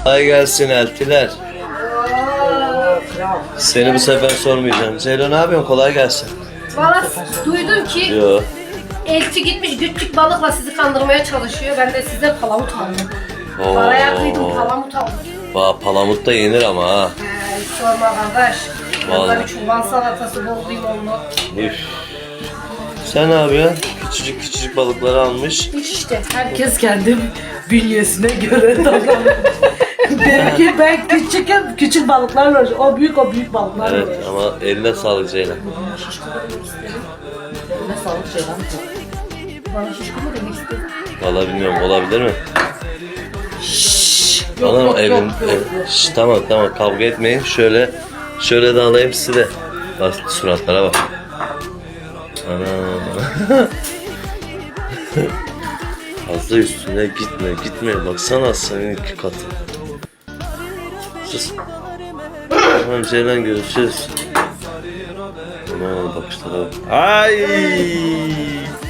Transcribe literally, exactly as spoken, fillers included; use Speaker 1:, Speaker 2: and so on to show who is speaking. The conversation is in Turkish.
Speaker 1: Kolay gelsin eltiler. Seni bu sefer sormayacağım. Zeylo ne yapıyorsun? Kolay gelsin.
Speaker 2: Valla duydum ki
Speaker 1: Yo.
Speaker 2: elçi gitmiş küçük balıkla sizi kandırmaya çalışıyor. Ben de size palamut aldım.
Speaker 1: Oo.
Speaker 2: Paraya kıydım palamut aldım.
Speaker 1: Va palamut da yenir ama ha.
Speaker 2: Ee, hiç sorma kardeş.
Speaker 1: Vallahi.
Speaker 2: Yanında bir çoban salatası bol limonlu.
Speaker 1: Üf. Sen ne yapıyorsun? Küçücük küçücük balıkları almış.
Speaker 2: Hiç işte.
Speaker 3: Herkes kendi bünyesine göre davranıyor. Benimki ben küçükken küçük balıklarla uğraşıyor. O büyük o büyük balıklarla
Speaker 1: Evet
Speaker 3: uğraşıyor.
Speaker 1: ama eline sağlık Ceylan.
Speaker 3: Ne sağlık şeyler mi?
Speaker 2: Bana şişko mu demek istedin?
Speaker 1: Vallahi bilmiyorum, olabilir mi?
Speaker 3: Yok,
Speaker 1: Anam
Speaker 3: yok,
Speaker 1: evin.
Speaker 3: yok, yok,
Speaker 1: ev-
Speaker 3: yok.
Speaker 1: Şş, tamam tamam kavga etmeyin. Şöyle şöyle de alayım sizi de. Bak suratlara bak. Ana. Fazla üstüne gitme gitme. Baksana senin iki katı. Sus. Tamam Ceylan, görüşürüz. Aman bakışlara bak. Ay.